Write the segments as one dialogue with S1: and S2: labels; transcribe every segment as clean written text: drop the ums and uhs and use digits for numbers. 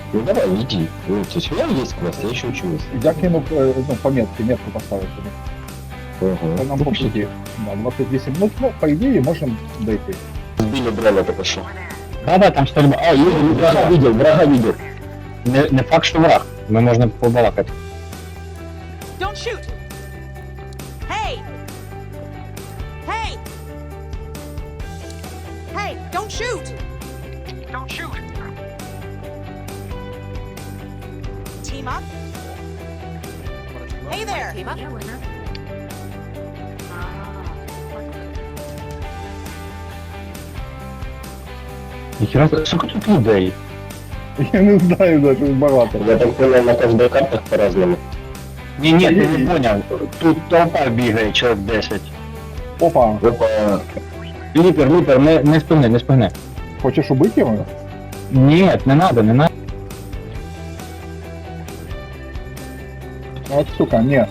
S1: Ну давай, иди. Ну, у тебя есть квест, я еще учусь.
S2: Я кину ну, по метке, метку поставить.
S1: Ага.
S2: Нам по пути. Да, 28 минут, ну, по идее, можем дойти.
S1: Сбили дрона только что.
S3: Да, там стрільба. А,
S1: Врага видел.
S3: не факт, що враг. Ми можемо побалакати.
S4: Don't shoot! Hey! Hey! Hey, don't shoot! Don't shoot! Team up? Hey there! Team up?
S3: Ніхера, сколько тут людей?
S2: Я не знаю даже, багато.
S1: Я так понял, на каждой картах по-разному.
S3: Ні, ти не поняв. Тут толпа бігає, чоловік 10.
S2: Опа,
S1: Опа.
S3: Ліпер, не спини.
S2: хочеш убити його?
S3: Ні, не надо.
S2: От сука, ні.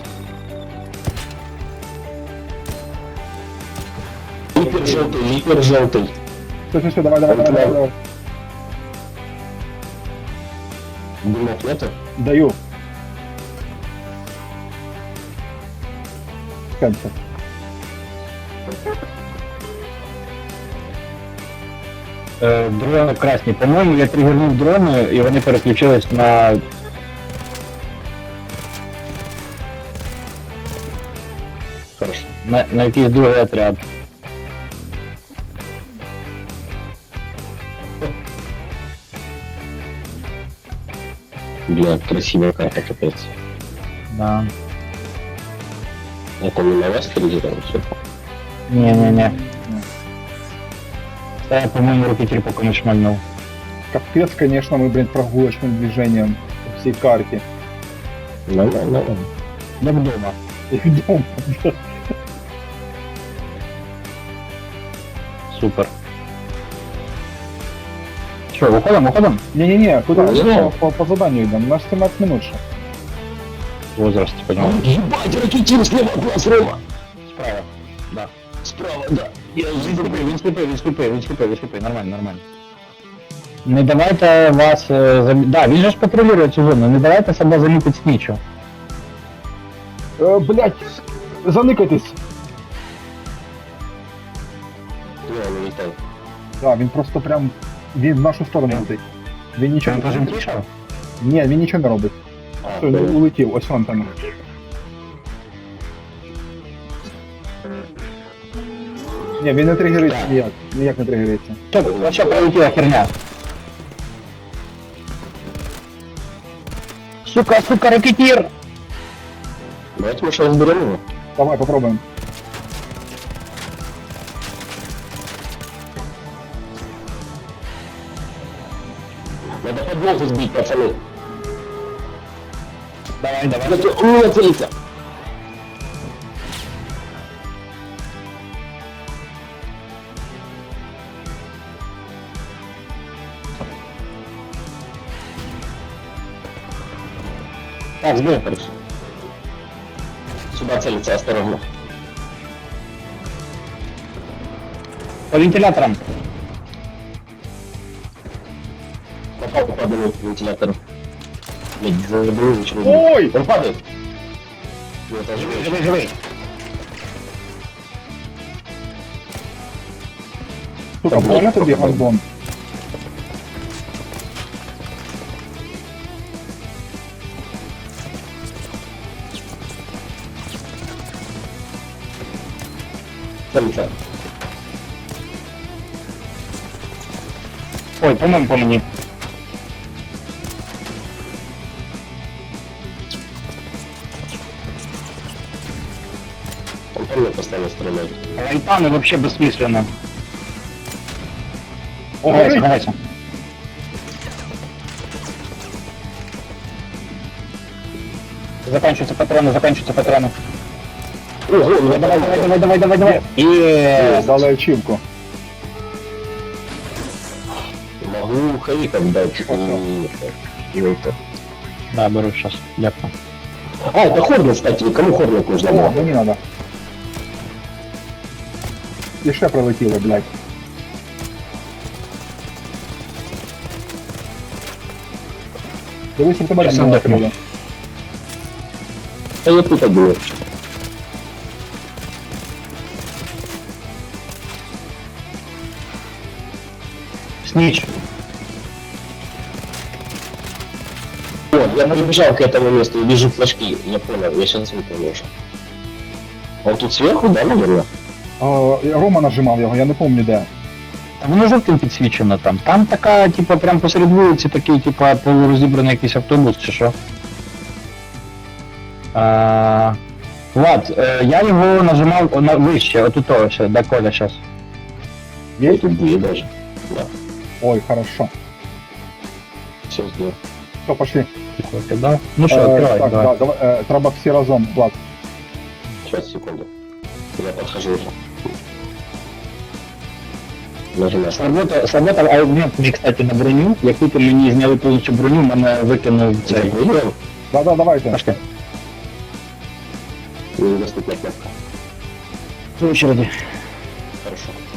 S1: Липер желтый.
S2: Все, давай.
S1: Дымок нету?
S2: Даю. Сканься.
S3: Дрони красні. По-моєму, я тригернув дрони, і вони переключились на...
S1: Хорошо.
S3: на якийсь другий отряд.
S1: Бля, красивая карта, капец.
S3: Да.
S1: Это не на вас триггером, все.
S3: Не. Це я, по-моєму, рокетір поки не шмальнув.
S2: Капец, конечно, мы, блин, прогулочным движением по всей карте.
S1: Нормально.
S3: Не вдома.
S2: И идем.
S3: Супер. Що, виходимо?
S2: Не-не-не, куда?
S1: Ну,
S2: По заданию идем. У нас 17 минут ще.
S3: Возраст, понял.
S1: Ебать, ракетир слева от нас, Рома!
S3: Справа. Да.
S1: Справа, да. Я
S3: Він сліпий, нормально. Не давайте вас... Да, він же ж патрулює цю зону, не давайте себе замітити снічу.
S2: Блять, заникайтесь.
S1: не летал.
S2: Да, він просто прям... Він в нашу сторону летить. Він нічого
S3: Він
S2: не робить.
S3: пожимтішав?
S2: Ні, він нічого не робить. Все, він улетів, ось он там. Ні, він не тригериться ніяк не тригериться.
S3: Стоп, вообще пролетіла херня. Сука, ракетир!
S1: Давайте мы сейчас разберем его.
S2: Давай, попробуем.
S1: Надо подвоху сбить, пацаны.
S3: Давай.
S1: У меня целится.
S3: Так, сбил.
S1: Хорошо. Сюда целится, осторожно.
S3: По вентиляторам.
S1: Попал по одному вентилятору. Блядь, забыл, ничего не
S2: Ой!
S1: Он падает. Ну, это живой.
S3: Живий.
S2: Сука, больно тобі, гандон?
S1: Целится.
S3: Ой, по мені.
S1: Он по мне постоянно стреляет.
S3: Райтаны вообще бессмысленно.
S2: О,
S3: Гайся. Заканчиваются патроны.
S1: Ого,
S3: Давай.
S2: дали ачівку.
S1: могу хавиком дать.
S3: Да, беру сейчас. Дякую.
S1: А, это хорнет, кстати. Кому хорнет нужно
S2: О,
S1: было?
S2: мені надо. І ще прилетіло, блядь. Дивись, у тебе
S3: Щас
S2: не
S3: отдохну.
S2: накрили.
S1: Та я тут буду.
S3: Сніч.
S1: О, я подбежал к этому месту и вижу флажки. Я понял, я сейчас выполню. Он тут сверху, да, наверное?
S2: Рома нажимав його, я не пам'ятаю де.
S3: Та воно жовтим підсвічено там. Там така, типа, прям посеред вулиці такий, типа, полурозібраний якийсь автобус чи що. Влад, я його нажимав на вище, отут ось, до Коля зараз.
S1: Я тут будет даже. Да,
S2: Ой, хорошо.
S1: все сделал.
S2: Все, пошли.
S3: Да? Ну що, відкривай,
S2: так,
S3: давай.
S2: да, давай, треба всі разом, Влад.
S1: Сейчас, секунду. Я подхожу уже. Нажимаю.
S3: Сработав аugмент мені, кстати, на броню. Як тільки мені зняли повністю броню, мене викинув цей.
S1: Выиграем?
S2: Да, давайте.
S3: Пашка,
S1: Недоступна кнопка.
S3: по очереді.
S1: Хорошо.